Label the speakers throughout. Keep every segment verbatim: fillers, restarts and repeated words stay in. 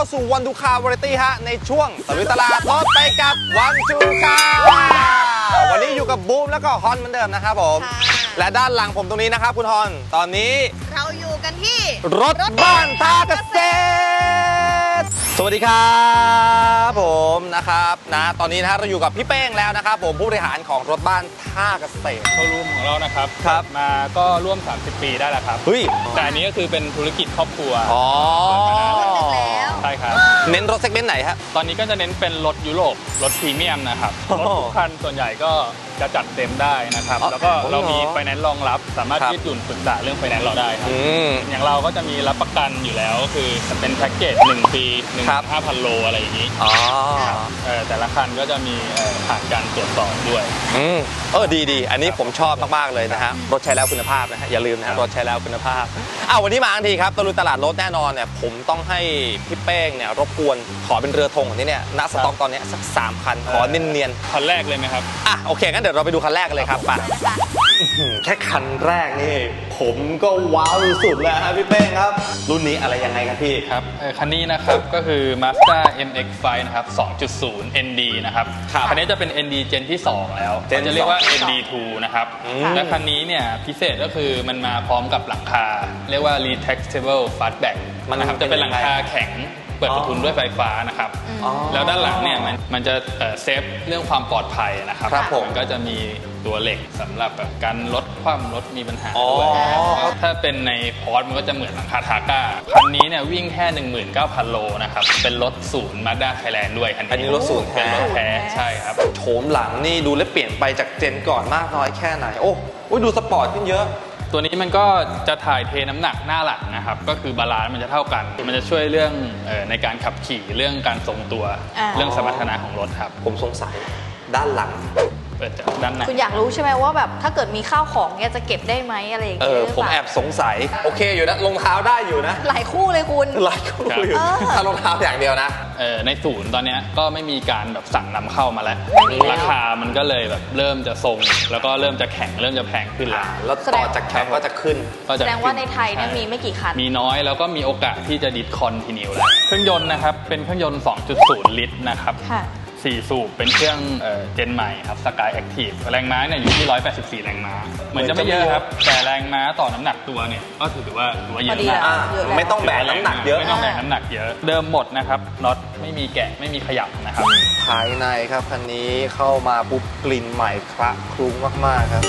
Speaker 1: สู่วันดูคาร์วาไรตี้ฮะในช่วงตะลุยตลาดรถไปกับวันดูคาร์วันนี้อยู่กับบูมแล้วก็ฮอนเหมือนเดิมนะครับผมและด้านหลังผมตรงนี้นะครับคุณฮอนตอนนี้
Speaker 2: เราอยู่กันที่
Speaker 1: รถบ้านท่าเกษตรสวัสดีครับผมนะครับนะตอนนี้นะเราอยู่กับพี่เป้งแล้วนะครับผมผู้บริหารของรถบ้านท่าเกษตร
Speaker 3: โชว์รูมของเรานะครับ
Speaker 1: ครับ
Speaker 3: มาก็ร่วมสามสิบปีได้แล้วครับ
Speaker 1: เฮ้ย
Speaker 3: แต่อันนี้ก็คือเป็นธุรกิจครอบครัว
Speaker 1: อ๋อ
Speaker 3: ใช่ครับ
Speaker 1: เน้นรถเซกเมนต์ไหนครับ
Speaker 3: ตอนนี้ก็จะเน้นเป็นรถยุโรปรถพรีเมียมนะครับรถทุกคันส่วนใหญ่ก็จะจัดเต็มได้นะครับแล้วก็เรามีไฟแนนซ์รองรับสามารถยืดหยุ่นปรึกษาเรื่องไฟแนนซ์เราได้ครับอย่างเราก็จะมีรับประกันอยู่แล้วคือจะเป็นแพ็กเกจหนึ่งปีหนึ่งห้าพันโลอะไรอย่างนี้
Speaker 1: อ๋อ
Speaker 3: แต่ละคันก็จะมีผ่านการตรวจสอบด้วย
Speaker 1: อืมเออดีดีอันนี้ผมชอบมากๆเลยนะฮะรถใช้แล้วคุณภาพนะฮะอย่าลืมนะรถใช้แล้วคุณภาพอ้าววันนี้มาทันทีครับตะลุยตลาดรถแน่นอนเนี่ยผมต้องให้พี่เป้งเนี่ยรบกวนขอเป็นเรือธงของที่เนี่ยณสต็อกตอนนี้สักสามคันขอเนียน
Speaker 3: ๆคันแรกเลยไหมครับ
Speaker 1: อ่ะโอเคงั้นเดี๋ยวเราไปดูคันแรกเลยครับป่ะแค่คันแรกนี่ผมก็ว้าวสุดแล้วครับพี่เป้งครับรุ่นนี้อะไรยังไงครับพี่
Speaker 3: ครับคันนี้นะครับก็คือ Mazda เอ็ม เอ็กซ์ ไฟว์ นะครับ สองจุดศูนย์ เอ็น ดี นะครับคันนี้จะเป็น เอ็น ดี เจนที่สองแล้วจะเรียกว่า เอ็น ดี ทู นะครับและคันนี้เนี่ยพิเศษก็คือมันมาพร้อมกับหลังคาเรียกว่า retractable fastback นะครับจะเป็นหลังคาแข็งเปิดประทุนด้วยไฟฟ้านะครับแล้วด้านหลังเนี่ยมันมันจะเซฟเรื่องความปลอดภัยนะครับมันก็จะมีตัวเหล็กสำหรับแบบการลดความรถมีปัญหาด้วยถ้าเป็นในพอร์ตมันก็จะเหมือนหลังคาทาก้าคันนี้เนี่ยวิ่งแค่ หนึ่งหมื่นเก้าพัน โลนะครับเป็นรถศูนย์ Mazda Thailand ด้วยคันนี้
Speaker 1: อันนี้รถศูนย์
Speaker 3: เป็นรถแท้ใช่ครับ
Speaker 1: โฉมหลังนี่ดูและเปลี่ยนไปจากเจนก่อนมากน้อยแค่ไหนโอ้โหดูสปอร์ตขึ้นเยอะ
Speaker 3: ตัวนี้มันก็จะถ่ายเทน้ำหนักหน้าหลังนะครับก็คือบาลานซ์มันจะเท่ากันมันจะช่วยเรื่องในการขับขี่เรื่องการทรงตัวเรื่องสมรรถนะของรถครับ
Speaker 1: ผมสงสัยด้านหลัง
Speaker 3: เปิดจากด้านใน
Speaker 2: คุณอยากรู้ใช่ไหมว่าแบบถ้าเกิดมีข้าวของเนี่ยจะเก็บได้ไหมอะไรอย่างเงี้ย
Speaker 1: เออผมแอบสงสัยโอเคอยู่นะรองเท้าได้อยู่นะ
Speaker 2: หลายคู่เลยคุณ
Speaker 1: หลายคู่อยู่ถ้ารองเท้าอย่างเดียวนะ
Speaker 3: เออในศูนย์ตอนนี้ก็ไม่มีการแบบสั่งนำเข้ามาแล้วราคามันก็เลยแบบเริ่มจะทรงแล้วก็เริ่มจะแข็งเริ่มจะแพงขึ้นแล้ว
Speaker 1: แล้วต่อจากแข็งก็จะขึ้น
Speaker 2: แสดงว่าในไทยเนี่ยมีไม่กี่คัน
Speaker 3: มีน้อยแล้วก็มีโอกาสที่จะดิสคอนทินิวแล้วเครื่องยนต์นะครับเป็นเครื่องยนต์ สองจุดศูนย์ ลิตรนะครับสี่สูบเป็นเครื่องเจนใหม่ครับ Sky Active แรงม้าเนี่ยอยู่ที่หนึ่งร้อยแปดสิบสี่แรงม้าเหมือนจะไม่เยอะครับแต่แรงม้าต่อน้ำหนักตัวเนี่ยก็ถือว่าถือว่าเยอะมาก
Speaker 1: ไม่ต้องแบกน้ำหนักเยอะ
Speaker 3: ไม่ต้องแบกน้ำหนักเยอะเดิมหมดนะครับน็อตไม่มีแกะไม่มีขยับนะครับ
Speaker 1: ภายในครับคันนี้เข้ามาปุ๊บกลิ่นใหม่คละคลุ้งมากๆครับ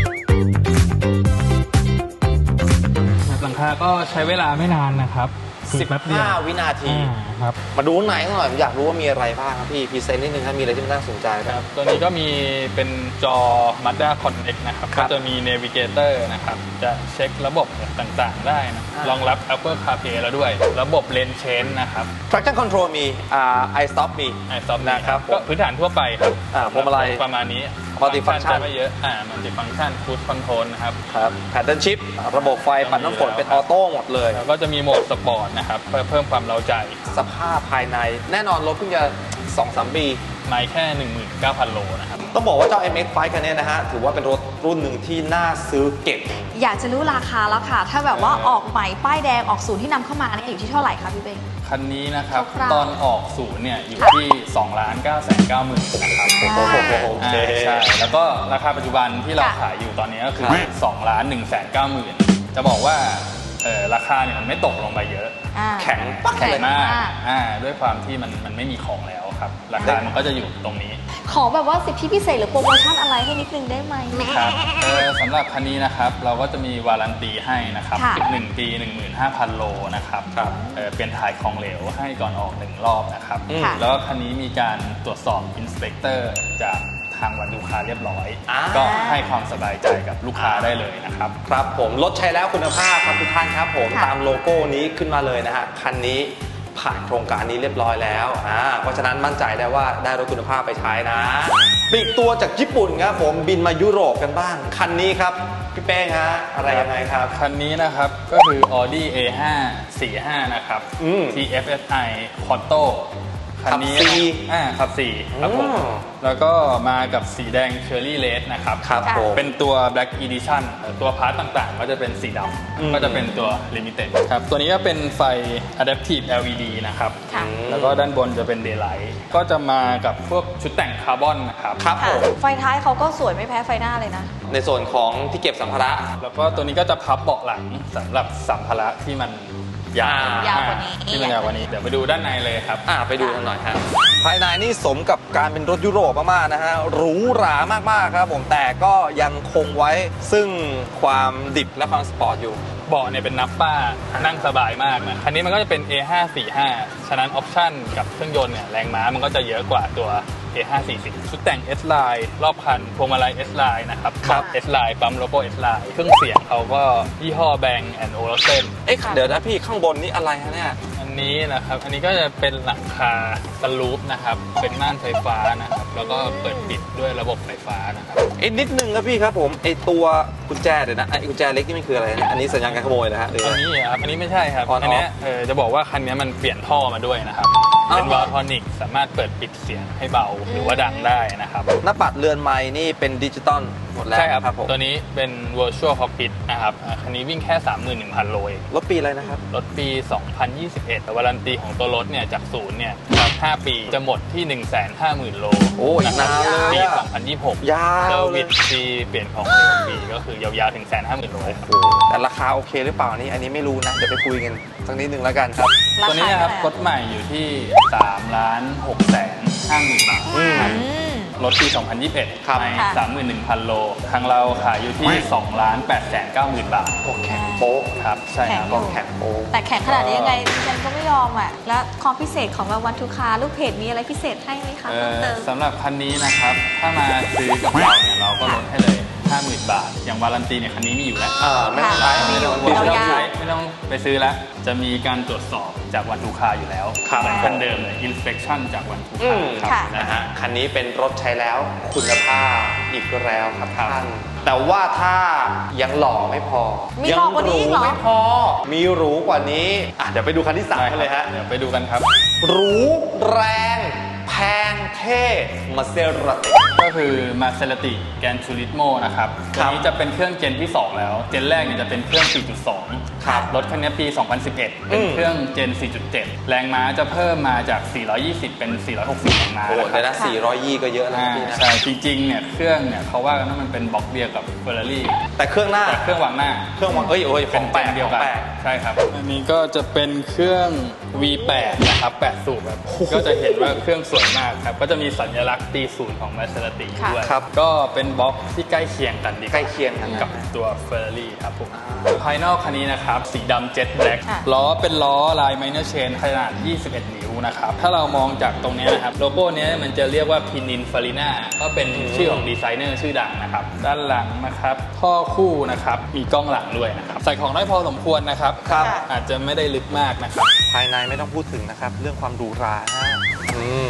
Speaker 3: หลังคาก็ใช้เวลาไม่นานนะครับ
Speaker 1: สิบห้าวินาที
Speaker 3: ครับ
Speaker 1: มาดูไหนหน่อยผมอยากรู้ว่ามีอะไรบ้างครับพี่พรีเซนต์นิดนึงครับมีอะไรที่น่าสนใจครับ
Speaker 3: ตัวนี้ก็มีเป็นจอ Mazda Connect นะครับก็จะมี Navigator นะครับจะเช็คระบบต่างๆได้นะรองรับ Apple CarPlay แล้วด้วยระบบ Lane Change นะครับ
Speaker 1: Traction Control มีอ่า iStop มี
Speaker 3: iStop นะครับก็พื้นฐานทั่วไปครับ
Speaker 1: อ่าพวงมาลัย
Speaker 3: ประมาณนี้
Speaker 1: มัลติฟังก์ชัน
Speaker 3: ไม่เยอะอ่ามัลติฟังก์ชัน Cruise Control นะครับ
Speaker 1: ครับ Paddle Shift ระบบไฟปัดน้ำฝนเป็นออโต้หมดเลย
Speaker 3: แล้วก็จะมีโหมดสปอร์ตนะครับเพื่อเพิ่มความเร้าใจ
Speaker 1: สภาพภายในแน่นอนรถเพิ่งจะ สองถึงสาม ปี
Speaker 3: ไม่แค่ หนึ่งหมื่นเก้าพัน โลนะครับ
Speaker 1: ต้องบอกว่าเจ้า เอ็ม เอ็กซ์ ไฟว์ คันนี้นะฮะถือว่าเป็นรถรุ่นหนึ่งที่น่าซื้อเก็บ
Speaker 2: อยากจะรู้ราคาแล้วค่ะถ้าแบบว่าออกใหม่ป้ายแดงออกศูนย์ที่นำเข้ามาเนี่ยอยู่ที่เท่าไหร่คะพี่เบ้ง
Speaker 3: คันนี้นะครับตอนออกศูนย์เนี่ยอยู่ที่ สองล้านเก้าแสนเก้าหมื่น นะครับ
Speaker 1: โอเค
Speaker 3: ใช่แล้วก็ราคาปัจจุบันที่เราขายอยู่ตอนนี้ก็คือ สองล้านหนึ่งแสนเก้าหมื่น จะบอกว่าเออราคาเนี่ยมันไม่ตกลงไปเยอะ
Speaker 1: แข็ง
Speaker 3: ปักเลยมากอ่าด้วยความที่มันมันไม่มีของแล้วครับราคามันก็จะอยู่ตรงนี้
Speaker 2: ขอแบบว่าสิทธิพิเศษหรือโปรโมชั่นอะไรให้นิดนึงได้ไหม
Speaker 3: ครับเออสำหรับคันนี้นะครับเราก็จะมีวารันตีให้นะครับหนึ่งปี หนึ่งหมื่นห้าพัน โลนะครับเออเป็นถ่ายของเหลวให้ก่อนออกหนึ่งรอบนะครับแล้วก็คันนี้มีการตรวจสอบอินสเปกเตอร์จากทางวันลูกค้าเรียบร้อยก็ให้ความสบายใจกับลูกค้าได้เลยนะครับ
Speaker 1: ครับผมรถใช้แล้วคุณภาพครับทุกท่านครับผมตามโลโก้นี้ขึ้นมาเลยนะฮะคันนี้ผ่านโครงการนี้เรียบร้อยแล้วอ่าเพราะฉะนั้นมั่นใจได้ว่าได้รถคุณภาพไปใช้นะปีกตัวจากญี่ปุ่นครับผมบินมายุโรปกันบ้างคันนี้ครับพี่เป้งฮะอะไรยังไงครับ
Speaker 3: คันนี้นะครับก็คือ Audi เอ ห้า สี่สิบห้า นะครับ ที เอฟ เอส ไอ Quattro เคคันนี้
Speaker 1: ขับสี่
Speaker 3: อ่าขับสี่ครับผม
Speaker 1: อืม
Speaker 3: แล้วก็มากับสีแดงเชอร์รี่เลดนะครับ
Speaker 1: ครับผม
Speaker 3: เป็นตัว Black Edition ตัวพาร์ตต่างๆ ก็จะเป็นสีด
Speaker 1: อืม
Speaker 3: ำก็จะเป็นตัว Limited ครับตัวนี้ก็เป็นไฟ Adaptive แอล อี ดี นะครับ
Speaker 2: ค่ะ
Speaker 3: แล้วก็ด้านบนจะเป็น Daylight ก็จะมากับพวกชุดแต่งคาร์บอนนะครับ
Speaker 1: ครับ
Speaker 2: ค่ะ
Speaker 1: ผม
Speaker 2: ไฟท้ายเขาก็สวยไม่แพ้ไฟหน้าเลยนะ
Speaker 1: ในส่วนของที่เก็บสัมภาระ
Speaker 3: แล้วก็ตัวนี้ก็จะพับเบาะหลังสำหรับสัมภาระที่มันยาว
Speaker 2: ยาวกว่านี้
Speaker 3: ที่มันยาวกว่านี้เดี๋ยวไปดูด้านในเลยครับ
Speaker 1: อ่าไปดูกันหน่อยฮะภายในนี่สมกับการเป็นรถยุโรปมากๆนะฮะหรูหรามากๆครับผมแต่ก็ยังคงไว้ซึ่งความดิบและความสปอร์ตอยู่
Speaker 3: เบาะเนี่ยเป็นนับป้านั่งสบายมากนะคันนี้มันก็จะเป็น เอ ห้าสี่ห้า ฉะนั้นออปชั่นกับเครื่องยนต์เนี่ยแรงม้ามันก็จะเยอะกว่าตัว เอ ห้าสี่สิบ ชุดแต่ง S-Line รอบคันพวงมาลัย S-Line นะครับ
Speaker 1: ครับ
Speaker 3: S-Line ปั๊มโลโก้ S-Line เครื่องเสียงเขาก็ยี่ห้อ Bang แอนด์ Olufsen
Speaker 1: เอ๊ะเดี๋ยวนะพี่ข้างบนนี่อะไรฮะเนี่ย
Speaker 3: อันนี้นะครับ อันนี้ก็จะเป็นหลังคาสลูปนะครับ เป็นม่านไฟฟ้านะครับ แล้วก็เปิดปิดด้วยระบบไฟฟ้านะครับ
Speaker 1: เอ๊ะนิดนึงครับพี่ครับผมไอตัวกุญแจเดี๋ยวนะไอกุญแจเล็กนี่มันคืออะไรเนี่ยอันนี้สัญญาณการขโมยนะฮะหรือ
Speaker 3: อั
Speaker 1: อะ
Speaker 3: น
Speaker 1: ไร
Speaker 3: นี้ครับ อันนี้ไม่ใช่ครับ
Speaker 1: On off
Speaker 3: อันเนี้ยเออจะบอกว่าคันนี้มันเปลี่ยนท่อมาด้วยนะครับ
Speaker 1: อ้าว
Speaker 3: เป็นวาลทอนิกสามารถเปิดปิดเสียงให้เบาหรือว่าดังได้นะครับ
Speaker 1: หน้าปัดเรือนไม้นี่เป็นดิจิตอลหมดแล้ว
Speaker 3: ใช่ครับ
Speaker 1: ครับผม
Speaker 3: ตัวนี้เป็น virtual cockpit นะครับอ่าคันนี้วิ่งแค่ สามหมื่นหนึ่งพัน โลเอง
Speaker 1: รถปีอะไรนะครับ
Speaker 3: รถปี สองพันยี่สิบเอ็ดวารันตีของตัวรถเนี่ยจากศูนย์เนี่ยห้าปีจะหมดที่ หนึ่งแสนห้าหมื่น โล
Speaker 1: โอ้ย
Speaker 3: ะครับ
Speaker 1: นานเลย
Speaker 3: ปี
Speaker 1: อะ
Speaker 3: สองพันยี่สิบหก
Speaker 1: ยาว
Speaker 3: เซอร์
Speaker 1: เล
Speaker 3: วิ
Speaker 1: ย
Speaker 3: สฟรีเปลี่ยนของเร็วฟรีก็คือยาวๆถึง หนึ่งแสนห้าหมื่น โล
Speaker 1: โอ้โหแต่ราคาโอเคหรือเปล่านี่อันนี้ไม่รู้นะเดี๋ยวไปคุยกันสักนิดนึงแล้วกันครับ
Speaker 2: ราคา
Speaker 3: ตัวนี้นะครับ
Speaker 2: เท่าไหร่
Speaker 3: รถใหม่อยู่ที่ สามล้านหกแสนห้าหมื่น บาท
Speaker 1: อืม
Speaker 2: อืม
Speaker 3: รถปี สองพันยี่สิบเอ็ด
Speaker 1: ครับ
Speaker 3: ใน
Speaker 2: ค่ะ
Speaker 3: สามหมื่นหนึ่งพัน โล ทางเราขายอยู่ที่ สองล้านแปดแสนเก้าหมื่น บาท
Speaker 1: โอเคโป๊ะ
Speaker 3: ครับ ใช่ครับ
Speaker 2: แข็งอยู่
Speaker 1: แข็งโป๊ะ
Speaker 2: แต่แข็งขนาดนี้ยังไงดิฉันก็ไม่ยอมอ่ะ แล้วความพิเศษของรางวัลทูคาลูกเพจมีอะไรพิเศษให้ไหมคะ
Speaker 3: เอ่
Speaker 2: เพิ่ม
Speaker 3: อ
Speaker 2: เติม
Speaker 3: สำหรับคันนี้นะครับ ถ้ามาซื้อกับเราเนี่ยเราก็ลดให้เลย ห้าหมื่น บาท อย่างวารันตีเนี่ยคันนี้มีอยู่แล้ว
Speaker 1: อ่าไม่เป็นไร
Speaker 2: ค่ะ
Speaker 1: ไม่ต้อง
Speaker 3: ไม่
Speaker 1: ห่วง
Speaker 3: ต้อง
Speaker 2: ยาวๆ
Speaker 3: ใช้ไม่ต้องไปซื้อแล้ว จะมีการตรวจสอบจากวันทูคาอยู่แล้ว
Speaker 1: ครับ
Speaker 3: เหมือนคันเดิมเลย inspection จากวันทู
Speaker 1: อื
Speaker 3: คาม ครับ
Speaker 2: ค่ะ
Speaker 1: นะฮะคันนี้เป็นรถใช้แล้วคุณภาพอีกแล้วครับ
Speaker 3: ครับ
Speaker 1: ท่าน แต่ว่าถ้ายังหล่อไม่พอ
Speaker 2: มีหล่อกว่านี้อีกเหรอ
Speaker 1: ไม่พอ มีหรูกว่านี้อ่ะเดี๋ยวไปดูคันที่สามกันเลยฮะ
Speaker 3: เดี๋ยวไปดูกันครับ
Speaker 1: หรูแรงแพงเท่มาเซราติ
Speaker 3: ก็คือ Maserati Gran Turismo นะครับ
Speaker 1: ค
Speaker 3: ตั
Speaker 1: รั
Speaker 3: ว
Speaker 1: บ
Speaker 3: นี้จะเป็นเครื่องเจนที่ สอง แล้ว เจนแรกเนี่ยจะเป็นเครื่อง สี่จุดสอง
Speaker 1: ครับ
Speaker 3: รถคันนี้ปี สองพันสิบเอ็ด เป็น
Speaker 1: อืม
Speaker 3: เครื่องเจน สี่จุดเจ็ด แรงม้าจะเพิ่มมาจาก สี่ร้อยยี่สิบ เป็น สี่ร้อยหกสิบ แรงม้า
Speaker 1: โอ้โห
Speaker 3: นะค
Speaker 1: แต่
Speaker 3: รับ
Speaker 1: นะสี่ร้อยยี่ก็เยอะแล้ว
Speaker 3: อ่า
Speaker 1: นะพี่นะ
Speaker 3: ใช่จริงๆเนี่ยเครื่องเนี่ยเขาว่ากันว่ามันเป็นบล็อกเดียวกับ Ferrari
Speaker 1: แต่เครื่องหน้า
Speaker 3: แต่เครื่องวางหน้า
Speaker 1: เครื่องวางเอ้ยโอ้ยข
Speaker 3: เป็
Speaker 1: อน งแปลก
Speaker 3: เดียว
Speaker 1: ข
Speaker 3: กั
Speaker 1: อน งแปลก
Speaker 3: ใช่ครับ อันนี้ก็จะเป็นเครื่อง วี แปด นะครับ แปด สูบครับ ก็จะเห็นว่าเครื่องสวยมากครับ ก็จะมีสัญลักษณ์ตีศูนย์ของ Maserati
Speaker 2: ค่ะ
Speaker 3: ด้วย
Speaker 1: ครับ
Speaker 3: ก็เป็นบล็อกที่ใกล้เคียงกันดี
Speaker 1: ใกล้เคียงกัน
Speaker 3: กับตัว Ferrari ครับผมภายนอกคันนี้นะครับ สีดำเจ็ตแบล็ก
Speaker 2: ค่ะ
Speaker 3: ล้อเป็นล้อลาย minor chain ขนาด ยี่สิบเอ็ด นิ้วนะครับ ถ้าเรามองจากตรงเนี้ยนะครับ โลโก้เนี้ยมันจะเรียกว่า Pininfarina ก็เป็นชื่อของดีไซเนอร์ชื่อดังนะครับ ด้านหลังนะครับท่อคู่นะครับ มีกล้องหลังด้วยนะครับ ใส่ของได้พอสมควรนะครับ
Speaker 1: ครับ
Speaker 3: อาจจะไม่ได้ลึกมากนะครับ
Speaker 1: ภายในไม่ต้องพูดถึงนะครับ เรื่องความหรูหราฮะอืม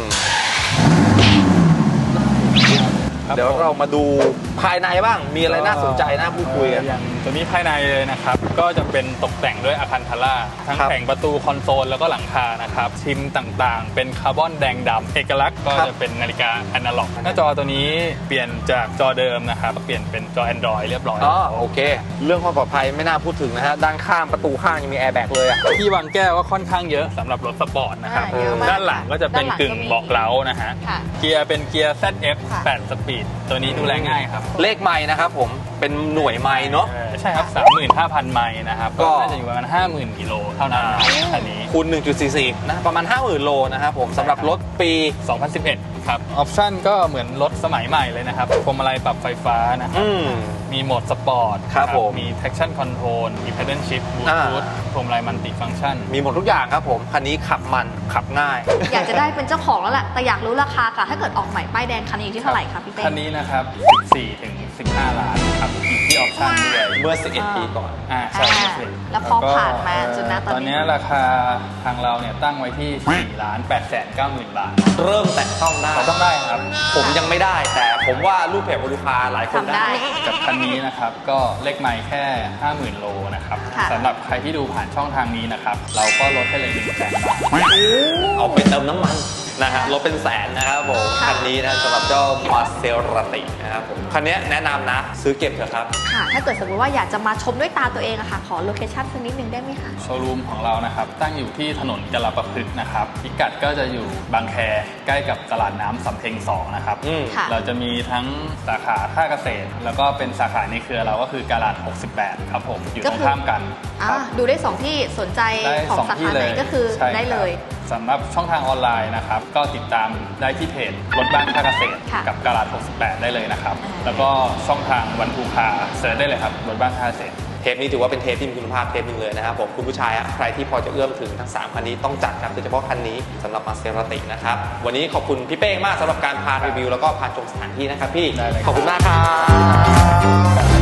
Speaker 3: ครับ
Speaker 1: เดี๋ยวเรามาดูภายในบ้าง มีอะไรน่าสนใจน่าพูดคุยกัน
Speaker 3: เอ่ออย่างตัวนี้ภายในเลยนะครับ ก็จะเป็นตกแต่งด้วยอาคันทาร่าทั้ง
Speaker 1: ครับ
Speaker 3: แผงประตูคอนโซลแล้วก็หลังคานะครับชิมต่างๆ เป็นคาร์บอนแดงดำเอกลักษณ์ก็
Speaker 1: ครับ
Speaker 3: จะเป็นนาฬิกาอนาล็อกหน้าจอตัวนี้เปลี่ยนจากจอเดิมนะครับ เปลี่ยนเป็นจอ Android เรียบร้อย
Speaker 1: อ๋อโอเค เรื่องความปลอดภัยไม่น่าพูดถึงนะฮะ ด้านข้างประตูข้างยังมีแอร์แบ็กเลยอ่ะ
Speaker 3: ที่วางแก้วก็ค่อนข้างเยอะสำหรับรถสปอร์ตนะครับ
Speaker 2: อ่าเยอะมาก
Speaker 3: ด้านหลังก็จะเป็น
Speaker 2: ด้านหลัง
Speaker 3: กึ่ง
Speaker 2: ก็มี
Speaker 3: เบาะเล้านะฮะ
Speaker 2: ค่ะ
Speaker 3: เกียร์เป็นเกียร์ แซด เอฟ
Speaker 2: ค่ะ
Speaker 3: แปด สปีดตัวนี้ดูแลง่ายครับ
Speaker 1: เลขไม้นะครับผม เป็นหน่วยไม้เนาะ
Speaker 3: เออใช่ครับ สามหมื่นห้าพัน ไมล์นะครับ
Speaker 1: ก็
Speaker 3: ก็น่าจะอยู่ประมาณ ห้าหมื่น กิโลเท่านั้นนะครับคันนี้
Speaker 1: คูณ หนึ่งจุดสี่สี่ นะ ประมาณ ห้าหมื่น โลนะครับผมสำหรับรถปี
Speaker 3: สองพันสิบเอ็ด ครับ ออปชั่นก็เหมือนรถสมัยใหม่เลยนะครับพวงมาลัยปรับไฟฟ้านะครับ
Speaker 1: อืม
Speaker 3: มีโหมดสปอร์ต
Speaker 1: ครับผม
Speaker 3: มี traction control มี pedal shift
Speaker 1: อ่า
Speaker 3: bluetooth พวงมาลัยมัลติฟังก์ชัน
Speaker 1: มีหมดทุกอย่างครับผม คันนี้ขับมันขับง่าย
Speaker 2: อยากจะได้เป็นเจ้าของแล้วแหละ แต่อยากรู้ราคาค่ะ ถ้าเกิดออกใหม่ป้ายแดงคันนี้อยู่ที่เท่าไหร่คะพี่เต้
Speaker 3: คันนี้นะครับ สิบสี่ถึงสิบห้า ล้านครับอยู่ที่ออปชั่นด้วย
Speaker 1: เมื่อ สิบเอ็ด ปีก่อน
Speaker 3: อ่าใช่
Speaker 2: อ่า
Speaker 3: สิ
Speaker 2: แล้วพอผ่านมา
Speaker 3: เอ่อ
Speaker 2: จนนะตอนนี้
Speaker 3: ตอนนี้ราคาทางเราเนี่ยตั้งไว้ที่ สี่ล้านแปดแสนเก้าหมื่น บาท
Speaker 1: เริ่มแตะต้องได้
Speaker 3: เราต้องได้ครับ
Speaker 1: ผมยังไม่ได้ แต่ผมว่าลูกเพจบริพาหลายคน
Speaker 2: ทำได้
Speaker 1: ได้
Speaker 3: กับคันนี้นะครับก็เลขไมล์แค่ ห้าหมื่น โลนะครับ
Speaker 2: ค่ะ
Speaker 3: สำหรับใครที่ดูผ่านช่องทางนี้นะครับ เราก็ลดให้เลยหนึ่งแสนบาท
Speaker 1: เอาไปเติมน้ำมันนะฮะรถเป็นแสนนะครับผม
Speaker 2: ค่ะ
Speaker 1: คันนี้นะสำหรับเจ้ามาเซราตินะครับผมคันนี้แนะนำนะซื้อเก็บเถอะครับ
Speaker 2: ค่ะ ถ้าเกิดสมมติว่าอยากจะมาชมด้วยตาตัวเองอะค่ะ ขอโลเคชั่นสักนิดนึงได้ไหมคะ
Speaker 3: โชว์รูมของเรานะครับตั้งอยู่ที่ถนนกลประพฤกษ์นะครับพิกัดก็จะอยู่บางแคใกล้กับตลาดน้ำสำเพ็งสองนะครับ
Speaker 1: อืม
Speaker 2: ค่ะ
Speaker 3: เราจะมีทั้งสาขาท่าเกษตร แล้วก็เป็นสาขาในเครือเราก็คือกาลาดหกสิบแปดครับผมอยู่ตรงข้ามกันค
Speaker 2: อ่า
Speaker 3: รับ
Speaker 2: ดูได้สองที่สนใจ
Speaker 3: ได้
Speaker 2: ของ
Speaker 3: สอง
Speaker 2: สา
Speaker 3: ที่
Speaker 2: ขา
Speaker 3: เล
Speaker 2: ไหน
Speaker 3: ย
Speaker 2: ก็คือ
Speaker 3: ใช่
Speaker 2: ได้เลย
Speaker 3: ครับสำหรับช่องทางออนไลน์นะครับก็ติดตามได้ที่เพจรถบ้านท่าเกษตร
Speaker 2: ค่ะ
Speaker 3: กับกาลาดหกสิบแปดได้เลยนะครับ
Speaker 2: อ่า
Speaker 3: แล้วก็ช่องทางวันทูคาเซิร์ชได้เลยครับรถบ้านท่าเกษตร
Speaker 1: เทปนี้ถือว่าเป็นเทปที่มีคุณภาพเทปหนึ่งเลยนะครับผมคุณผู้ชายอะใครที่พอจะเอื้อมถึงทั้งสามคันนี้ต้องจัดครับโดยเฉพาะคันนี้สำหรับมาเซราตินะครับวันนี้ขอบคุณพี่เป้งมากสำหรับการพารีวิวแล้วก็พาชมสถานที่นะครับพี่
Speaker 3: ได้เลยครับ
Speaker 1: ขอบคุณมากครับ